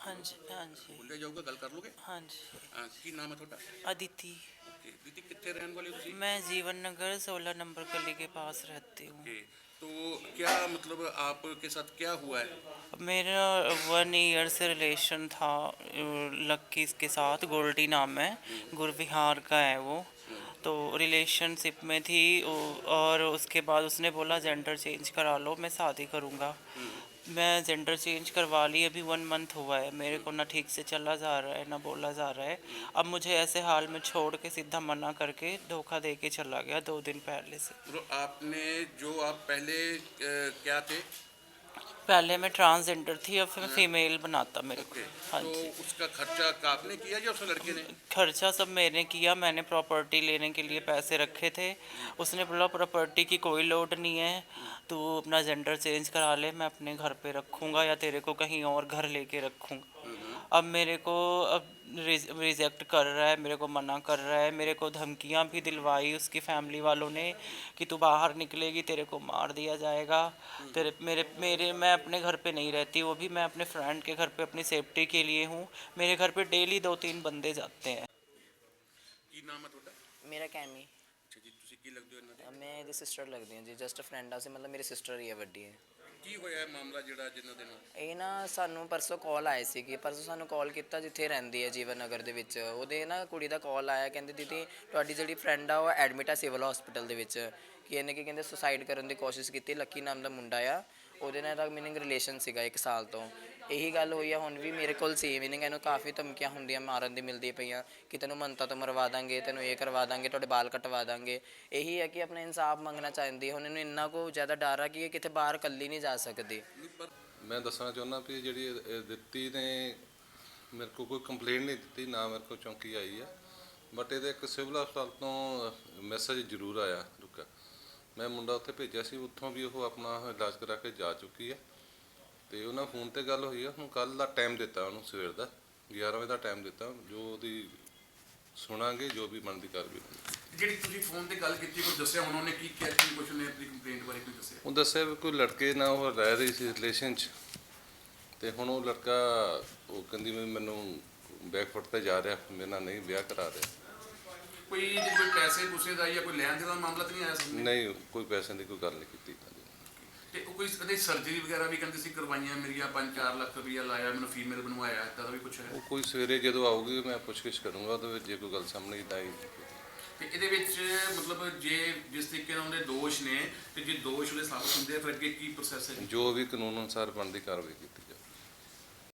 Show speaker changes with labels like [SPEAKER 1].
[SPEAKER 1] हाँ जी, हाँ जी,
[SPEAKER 2] ਬੋਲਿਆ ਜਾਊਗਾ, ਗੱਲ ਕਰ ਲੋਗੇ?
[SPEAKER 1] हाँ जी।
[SPEAKER 2] ਕੀ ਨਾਮ ਹੈ ਤੁਹਾਡਾ?
[SPEAKER 1] अदिति।
[SPEAKER 2] ਓਕੇ ਦੀਦੀ, ਕਿੱਥੇ ਰਹਿਣ ਵਾਲੇ ਹੋ ਤੁਸੀਂ?
[SPEAKER 1] मैं जीवन नगर 16 नंबर गली के पास रहती हूँ।
[SPEAKER 2] ओके, तो क्या मतलब आपके साथ क्या हुआ है?
[SPEAKER 1] मेरा 1 ईयर से रिलेशन था लक्की के साथ। गोल्डी नाम है, गुरविहार का है वो। तो रिलेशनशिप में थी और उसके बाद उसने बोला जेंडर चेंज करा लो, मैं शादी करूँगा। मैं जेंडर चेंज करवा ली, अभी 1 मंथ हुआ है। मेरे को ना ठीक से चला जा रहा है ना बोला जा रहा है। अब मुझे ऐसे हाल में छोड़ के सीधा मना करके धोखा दे के चला गया 2 दिन पहले से।
[SPEAKER 2] मतलब आपने जो आप पहले क्या थे?
[SPEAKER 1] पहले मैं ट्रांसजेंडर थी, अब मैं
[SPEAKER 2] हाँ,
[SPEAKER 1] फीमेल बनाता मेरे को।
[SPEAKER 2] ओके,
[SPEAKER 1] हाँ
[SPEAKER 2] तो
[SPEAKER 1] जी।
[SPEAKER 2] उसका खर्चा आपने किया या उस लड़के ने?
[SPEAKER 1] खर्चा सब मैंने किया। मैंने प्रॉपर्टी लेने के लिए पैसे रखे थे। उसने बोला प्रॉपर्टी की कोई लोड नहीं है, तू अपना जेंडर चेंज करा ले, मैं अपने घर पे रखूँगा या तेरे को कहीं और घर लेके रखूँगा। अब मेरे को अब रिजेक्ट कर रहा है, मेरे को मना कर रहा है। मेरे को धमकियां भी दिलवाई उसकी फैमिली वालों ने कि तू बाहर निकलेगी तेरे को मार दिया जाएगा। तेरे मेरे मेरे मैं अपने घर पे नहीं रहती, वो भी मैं अपने फ्रेंड के घर पे अपनी सेफ्टी के लिए हूँ। मेरे घर पे डेली 2-3 बंदे जाते हैं।
[SPEAKER 2] ਕੀ ਨਾਮ ਹੈ ਤੁਹਾਡਾ?
[SPEAKER 3] ਮੇਰਾ ਕੈਮੀ।
[SPEAKER 2] ਅੱਛਾ ਜੀ, ਤੁਸੀਂ ਕੀ ਲੱਗਦੇ ਹੋ ਇਹਨਾਂ ਦੇ?
[SPEAKER 3] ਮੈਂ ਇਹਦੀ ਸਿਸਟਰ ਲੱਗਦੀ ਹਾਂ ਜੀ, ਜਸਟ ਫਰੈਂਡ ਆ ਸੀ, ਮਤਲਬ ਮੇਰੀ ਸਿਸਟਰ ਹੀ ਹੈ, ਵੱਡੀ ਹੈ।
[SPEAKER 2] ਕੀ ਹੋਇਆ ਹੈ ਮਾਮਲਾ ਜਿਹੜਾ ਜਿਨ੍ਹਾਂ ਦੇ ਨਾਲ?
[SPEAKER 3] ਇਹ ਨਾ ਸਾਨੂੰ ਪਰਸੋਂ ਕਾਲ ਆਏ ਸੀਗੀ, ਪਰਸੋਂ ਸਾਨੂੰ ਕਾਲ ਕੀਤਾ ਜਿੱਥੇ ਰਹਿੰਦੀ ਹੈ ਜੀਵਨ ਨਗਰ ਦੇ ਵਿੱਚ। ਉਹਦੇ ਨਾ ਕੁੜੀ ਦਾ ਕਾਲ ਆਇਆ, ਕਹਿੰਦੇ ਦੀਦੀ ਤੁਹਾਡੀ ਜਿਹੜੀ ਫਰੈਂਡ ਆ ਉਹ ਐਡਮਿਟ ਆ ਸਿਵਲ ਹਸਪੀਟਲ ਦੇ ਵਿੱਚ, ਕਿ ਇਹਨੇ ਕੀ ਕਹਿੰਦੇ ਸੁਸਾਈਡ ਕਰਨ ਦੀ ਕੋਸ਼ਿਸ਼ ਕੀਤੀ। ਲੱਕੀ ਨਾਮ ਦਾ ਮੁੰਡਾ ਆ, ਉਹਦੇ ਨਾਲ ਦਾ ਮੀਨਿੰਗ ਰਿਲੇਸ਼ਨ ਸੀਗਾ 1 ਸਾਲ ਤੋਂ। ਇਹੀ ਗੱਲ ਹੋਈ ਆ, ਹੁਣ ਵੀ ਮੇਰੇ ਕੋਲ ਸੀ ਮੀਨਿੰਗ ਇਹਨੂੰ ਕਾਫੀ ਧਮਕੀਆਂ ਹੁੰਦੀਆਂ, ਮਾਰਨ ਦੀ ਮਿਲਦੀਆਂ ਪਈਆਂ ਕਿ ਤੈਨੂੰ ਮੰਨਤਾ ਤੋਂ ਮਰਵਾ ਦਾਂਗੇ, ਤੈਨੂੰ ਇਹ ਕਰਵਾ ਦਾਂਗੇ, ਤੁਹਾਡੇ ਬਾਲ ਕਟਵਾ ਦਾਂਗੇ। ਇਹੀ ਹੈ ਕਿ ਆਪਣਾ ਇਨਸਾਫ ਮੰਗਣਾ ਚਾਹੁੰਦੀ ਹੈ। ਹੁਣ ਇਹਨੂੰ ਇੰਨਾ ਕੁ ਜ਼ਿਆਦਾ ਡਰ ਆ ਕਿ ਇਹ ਕਿਤੇ ਬਾਹਰ ਇਕੱਲੀ ਨਹੀਂ ਜਾ ਸਕਦੀ।
[SPEAKER 4] ਮੈਂ ਦੱਸਣਾ ਚਾਹੁੰਦਾ ਵੀ ਜਿਹੜੀ ਦਿੱਤੀ ਨੇ ਮੇਰੇ ਕੋਲ ਕੋਈ ਕੰਪਲੇਂਟ ਨਹੀਂ ਦਿੱਤੀ, ਨਾ ਮੇਰੇ ਕੋਲ ਚੌਂਕੀ ਆਈ ਆ, ਬਟ ਇਹਦੇ ਇੱਕ ਸਿਵਲ ਹਸਪਤਾਲ ਤੋਂ ਮੈਸੇਜ ਜ਼ਰੂਰ ਆਇਆ ਰੁਕਾ। ਮੈਂ ਮੁੰਡਾ ਉੱਥੇ ਭੇਜਿਆ ਸੀ, ਉੱਥੋਂ ਵੀ ਉਹ ਆਪਣਾ ਇਲਾਜ ਕਰਾ ਕੇ ਜਾ ਚੁੱਕੀ ਆ। ਅਤੇ ਉਹਨਾਂ ਫੋਨ 'ਤੇ ਗੱਲ ਹੋਈ ਆ। ਹੁਣ ਕੱਲ੍ਹ ਦਾ ਟਾਈਮ ਦਿੱਤਾ ਉਹਨੂੰ, ਸਵੇਰ ਦਾ 11 ਵਜੇ ਦਾ ਟਾਈਮ ਦਿੱਤਾ, ਜੋ ਉਹਦੀ ਸੁਣਾਂਗੇ, ਜੋ ਵੀ ਬਣਦੀ ਕਾਰਵਾਈ।
[SPEAKER 2] ਜਿਹੜੀ ਤੁਸੀਂ ਫੋਨ ਤੇ ਗੱਲ ਕੀਤੀ, ਕੋਈ ਦੱਸਿਆ ਉਹਨਾਂ ਨੇ ਕੀ ਕਿਹਾ, ਕੀ ਕੁਛ ਨੇ ਆਪਣੀ ਕੰਪਲੇਂਟ ਬਾਰੇ ਕੋਈ ਦੱਸਿਆ?
[SPEAKER 4] ਉਹ ਦੱਸਿਆ ਵੀ ਕੋਈ ਲੜਕੇ ਨਾਲ ਉਹ ਰਹਿ ਰਹੀ ਸੀ ਰਿਲੇਸ਼ਨ 'ਚ, ਅਤੇ ਹੁਣ ਉਹ ਲੜਕਾ ਉਹ ਕਹਿੰਦੀ ਵੀ ਮੈਨੂੰ ਬੈਕਫੁੱਟ 'ਤੇ ਜਾ ਰਿਹਾ, ਮੇਰੇ ਨਾਲ ਨਹੀਂ ਵਿਆਹ ਕਰਾ ਰਿਹਾ।
[SPEAKER 2] ਕੋਈ ਪੈਸੇ ਪੂਸੇ ਦਾ ਜਾਂ ਕੋਈ ਲੈਣ ਦੇਣ ਦਾ ਮਾਮਲਾ ਤਾਂ ਨਹੀਂ ਆਇਆ ਸਾਹਮਣੇ?
[SPEAKER 4] ਨਹੀਂ, ਕੋਈ ਪੈਸਿਆਂ ਦੀ ਕੋਈ ਗੱਲ ਨਹੀਂ ਕੀਤੀ।
[SPEAKER 2] ਤੇ ਉਹ ਕੋਈ ਕਦੇ ਸਰਜਰੀ ਵਗੈਰਾ ਵੀ ਕਹਿੰਦੇ ਸੀ ਕਰਵਾਈਆਂ ਮੇਰੀਆਂ, 5-4 ਲੱਖ ਰੁਪਈਆ ਲਾਇਆ, ਮੈਨੂੰ ਫੀਮੇਲ ਬਣਵਾਇਆ, ਇੱਦਾਂ ਦਾ ਵੀ ਕੁਛ ਹੈ?
[SPEAKER 4] ਉਹ ਕੋਈ ਸਵੇਰੇ ਜਦੋਂ ਆਊਗੀ ਮੈਂ ਪੁੱਛਗਿੱਛ ਕਰੂੰਗਾ, ਉਹਦੇ ਵਿੱਚ ਜੇ ਕੋਈ ਗੱਲ ਸਾਹਮਣੇ ਤਾਂ ਹੀ।
[SPEAKER 2] ਤੇ ਇਹਦੇ ਵਿੱਚ ਮਤਲਬ ਜੇ ਜਿਸ ਤਰੀਕੇ ਨਾਲ ਉਹਦੇ ਦੋਸ਼ ਨੇ, ਤੇ ਜੇ ਦੋਸ਼ ਉਹਦੇ ਸਾਬਤ ਹੁੰਦੇ ਆ ਫਿਰ ਅੱਗੇ ਕੀ ਪ੍ਰੋਸੈਸ ਹੈ?
[SPEAKER 4] ਜੋ ਵੀ ਕਾਨੂੰਨ ਅਨੁਸਾਰ ਬਣਦੀ ਕਾਰਵਾਈ ਕੀਤੀ।